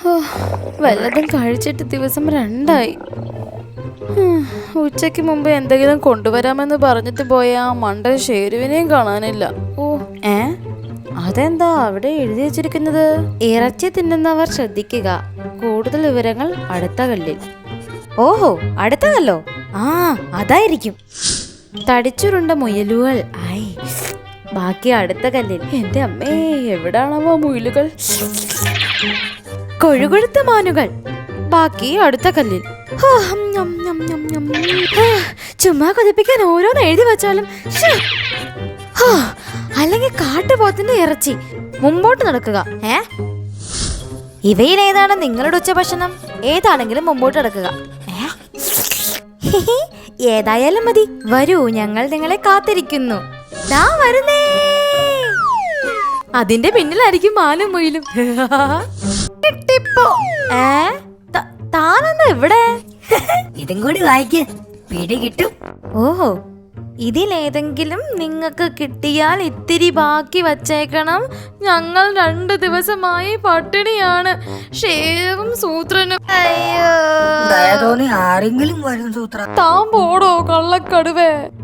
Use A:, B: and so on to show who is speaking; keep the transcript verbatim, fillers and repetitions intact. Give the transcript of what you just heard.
A: വല്ലതും കഴിച്ചിട്ട് ദിവസം രണ്ടായി. ഉച്ചയ്ക്ക് മുമ്പ് എന്തെങ്കിലും കൊണ്ടുവരാമെന്ന് പറഞ്ഞിട്ട് പോയ ആ മണ്ടൻ ഷേരുവിനെയും കാണാനില്ല. ഓ ഏ അതെന്താ അവിടെ എഴുതി വെച്ചിരിക്കുന്നത്? ഇറച്ചി തിന്നുന്നവർ ശ്രദ്ധിക്കുക, കൂടുതൽ വിവരങ്ങൾ അടുത്ത കല്ലിൽ. ഓഹോ, അടുത്ത കല്ലോ? ആ അതായിരിക്കും. തടിച്ചുരുണ്ട മുയലുകൾ. ആയി ബാക്കി അടുത്ത കല്ലിൽ. എന്റെ അമ്മേ, എവിടാണാവോ മുയലുകൾ? കൊഴുകൊഴുത്ത മാനുകൾ. ബാക്കി അടുത്ത കല്ലിൽ. ചുമ്മാ കൊതിപ്പിക്കാൻ ഓരോന്ന് എഴുതി വെച്ചാലും. അല്ലെങ്കിൽ കാട്ടുപോത്തിന്റെ ഇറച്ചി. മുമ്പോട്ട് നടക്കുക. ഏ ഇവയിൽ ഏതാണ് നിങ്ങളുടെ ഉച്ചഭക്ഷണം? ഏതാണെങ്കിലും മുമ്പോട്ട് നടക്കുക. ഏതായാലും മതി. വരൂ, ഞങ്ങൾ നിങ്ങളെ കാത്തിരിക്കുന്നു. ദാ വരുന്നേ. അതിന്റെ പിന്നിലായിരിക്കും മാനും മുയിലും. ഏ താനെന്താ ഇവിടെ?
B: ഇതും കൂടി വായിക്ക്, പിടി കിട്ടും.
A: ഓഹോ, ഇതിലേതെങ്കിലും നിങ്ങൾക്ക് കിട്ടിയാൽ ഇത്തിരി ബാക്കി വച്ചേക്കണം. ഞങ്ങൾ രണ്ടു ദിവസമായി പട്ടിണിയാണ്. ഷേവും സൂത്രനും.
B: അയ്യോ, ആരെങ്കിലും വരും സൂത്ര.
A: താൻ പോടോ കള്ളക്കടുവേ.